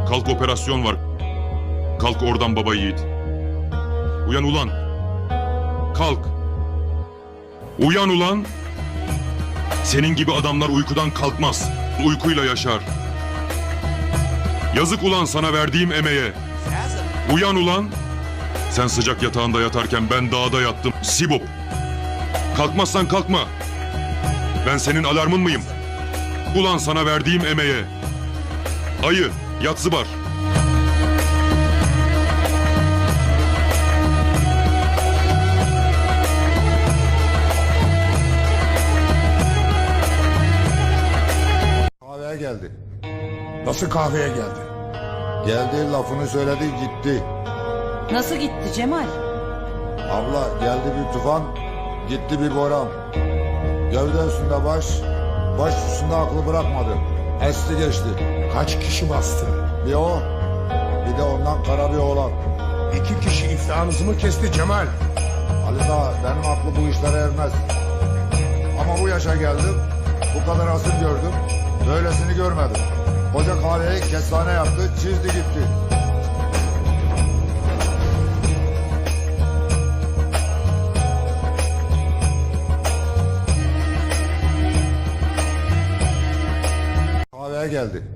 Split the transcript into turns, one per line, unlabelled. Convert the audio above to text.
Kalk, operasyon var. Kalk oradan baba yiğit. Uyan ulan. Kalk. Uyan ulan. Senin gibi adamlar uykudan kalkmaz. Uykuyla yaşar. Yazık ulan sana verdiğim emeğe. Uyan ulan. Sen sıcak yatağında yatarken ben dağda yattım. Sibop. Kalkmazsan kalkma. Ben senin alarmın mıyım? Ulan sana verdiğim emeğe. Ayı, Yatsıbar.
Kahveye geldi.
Nasıl kahveye geldi?
Geldi, lafını söyledi, gitti.
Nasıl gitti Cemal?
Abla, geldi bir tufan, gitti bir boran. Gövde üstünde baş üstünde aklı bırakmadı. Esti geçti.
Kaç kişi bastı?
Bir o, bir de ondan kara bir oğlan.
2 kişi iflahınızı mı kesti Cemal?
Ali Dağ, benim aklı bu işlere ermez. Ama bu yaşa geldim, bu kadar asıl gördüm. Böylesini görmedim. Koca kahveyi kestane yaptı, çizdi gitti. Kahveye geldi.